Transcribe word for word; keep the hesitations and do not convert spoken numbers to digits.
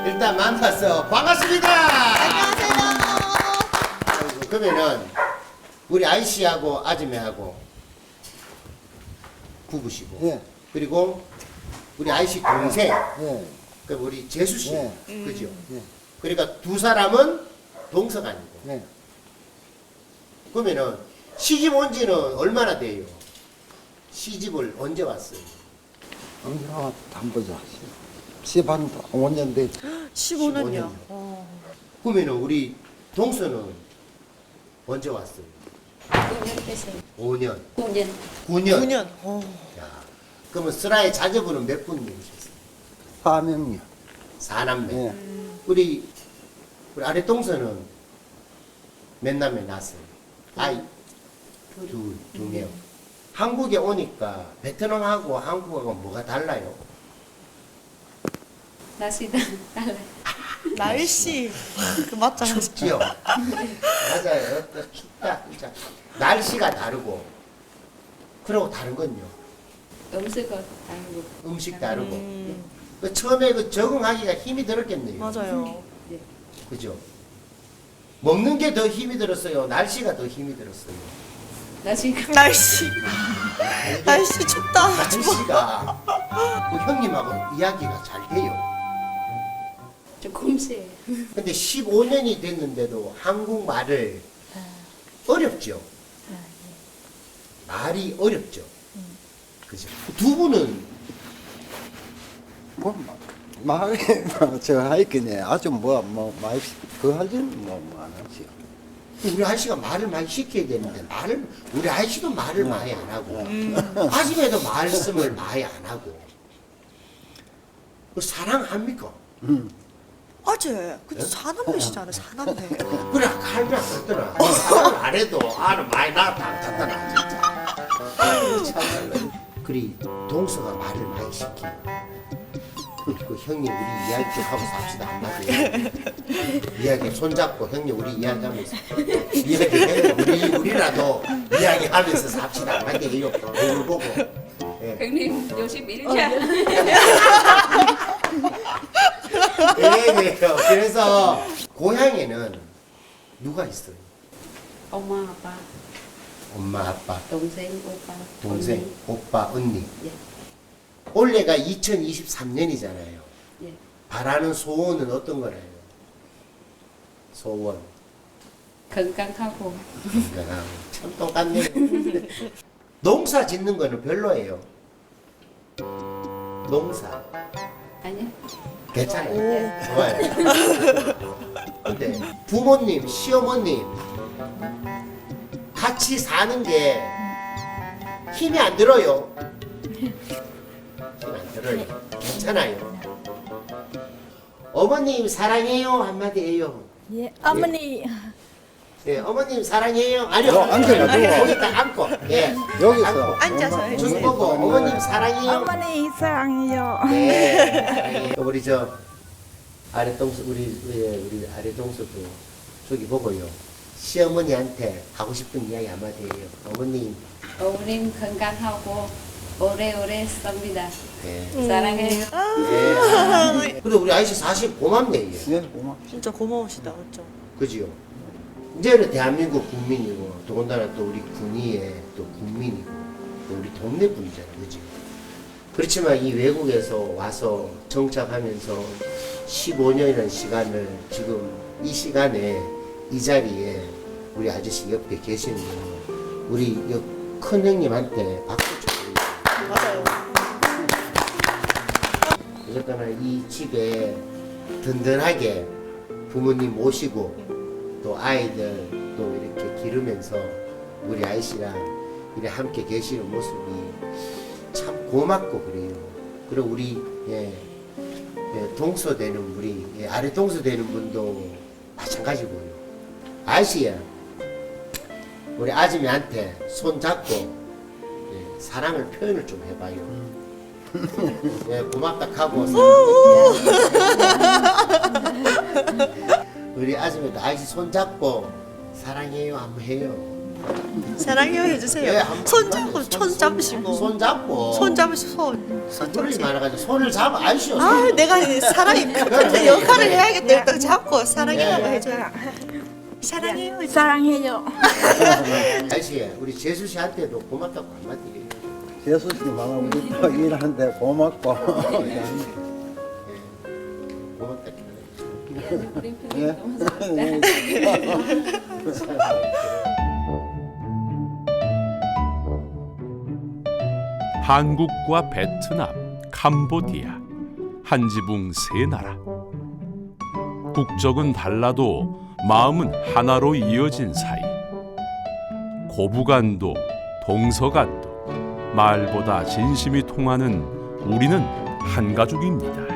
일단 만나서 반갑습니다. 안녕하세요. 그러면은 우리 아이씨하고 아줌매하고 부부시고 예. 그리고 우리 아이씨 동생 예. 그 우리 재수 씨 예. 그죠? 예. 그러니까 두 사람은 동서가 아니고 예. 그러면은 시집 온 지는 얼마나 돼요? 시집을 언제 왔어요? 언제나 한 보자. 시반 오 년 됐. 십오 년요. 년이요. 그러면은 우리 동서는 언제 왔어요? 구 년 됐어요. 오 년, 구 년. 구 년. 구 년. 어. 야, 그러면 슬라의 자제분은 몇 분 계셨어요? 사 명이요. 사남매. 예. 우리 우리 아래 동서는 몇 남매 낳았어요? 아이 둘, 두 명. 한국에 오니까 베트남하고 한국하고 뭐가 달라요? 날씨가 달라요. 날씨. 그 맞잖아. 춥지요. 맞아요. 또 춥다 진짜. 날씨가 다르고. 그리고 다른 건요. 음식은 다르고. 음식 다르고. 음, 그 처음에 그 적응하기가 힘이 들었겠네요. 맞아요. 네. 그죠? 먹는 게 더 힘이 들었어요. 날씨가 더 힘이 들었어요. 날씨가 날씨. 날씨 춥다. 날씨가 그 형님하고 이야기가 잘 돼요. 조금씩. 근데 십오 년이 됐는데도 한국말을 어렵죠. 말이 어렵죠. 그죠? 두 분은 뭐 말이 저 하이끼네 아주 뭐뭐 많이 그 할지는 뭐안 하지요. 우리 아저씨가 말을 많이 시켜야 되는데 말을 우리 아저씨도 말을 많이 안 하고 아줌매도 말씀을 많이 안 하고 그 사랑합니까? 음. 어제 그 사남매시잖아요. 사남매. 그래 칼면 안 듣더라. 사랑 안 해도 아는 많이 나왔다 안 듣더라 진짜. 아유, 참말로. 그리 동서가 말을 많이 시키. 그 형님 우리 이야기 좀 하고 삽시다 한마디. 이야기 손잡고 형님 우리 이야기하면서 이야기 해 우리 우리라도 이야기하면서 삽시다 한마디 해요. 얼굴 보고. 예. 형님 요즘 일자. 예, 그래요. 그래서 고향에는 누가 있어요? 엄마, 아빠, 엄마, 아빠, 동생, 오빠, 동생, 언니. 오빠, 언니. 예. 올해가 이천이십삼 년이잖아요. 예. 바라는 소원은 어떤 거래요? 소원. 건강하고. 건강하고. 참 똑같네요. 농사 짓는 거는 별로예요. 농사. 아니요. 괜찮아요. 좋아요. 근데 부모님, 시어머님 같이 사는 게 힘이 안 들어요. 힘 안 들어요. 괜찮아요. 어머님 사랑해요 한마디 해요. 예, 어머니 예, 어머님 사랑해요. 아니요. 어, 앉아가지고. 거기다 앉고. 예. 여기서 앉고. 앉아서 저기 해주세요. 보고 어머님 사랑해요. 어머니 사랑해요. 네. 사랑해요. 우리 저 아래 동서 우리 예, 우리 아래 동서도 저기 보고요. 시어머니한테 하고 싶은 이야기 한마디 해요. 어머님. 어머님 건강하고 오래오래 삽니다. 네. 사랑해요. 네. 근데 우리 아이씨 사실 고맙네. 얘. 예, 고마. 진짜 고마우시다. 그렇죠? 그지요? 이제는 대한민국 국민이고 더군다나 또 우리 군의의 또 국민이고 또 우리 동네 분이잖아요. 그지? 그렇지만 이 외국에서 와서 정착하면서 십오 년이라는 시간을 지금 이 시간에 이 자리에 우리 아저씨 옆에 계시는 우리 큰 형님한테 박수 쳐드립니다. 맞아요. 어쨌거나 이 집에 든든하게 부모님 모시고 또 아이들 또 이렇게 기르면서 우리 아이씨랑 이렇게 함께 계시는 모습이 참 고맙고 그래요. 그리고 우리 예, 예, 동서 되는 우리 예, 아래 동서 되는 분도 마찬가지고요. 아이씨야 우리 아줌이한테 손 잡고 예, 사랑을 표현을 좀 해봐요. 예, 고맙다 하고 우리 아줌마도 아이씨 손 잡고 사랑해요 한번 해요. 사랑해요 해주세요. 예, 한- 손 잡고 손 잡으시고 손 잡고. 손 잡으시고 손. 손 손이 잡으시고. 많아가지고 손을 잡아 아이쇼. 아 내가 사랑이 큰 역할을 해야겠다. 일단 잡고 사랑해라고 예. 해줘요. 사랑해요. 해주세요. 사랑해요. 아이씨 우리 재수 씨한테도 고맙다고 한마디 해요. 재수 씨만 우리 또 일하는데 고맙고. 예. 고맙다. 우리 예. 편이 너무 한국과 베트남, 캄보디아, 한 지붕 세 나라. 국적은 달라도 마음은 하나로 이어진 사이. 고부간도 동서간도 말보다 진심이 통하는 우리는 한 가족입니다.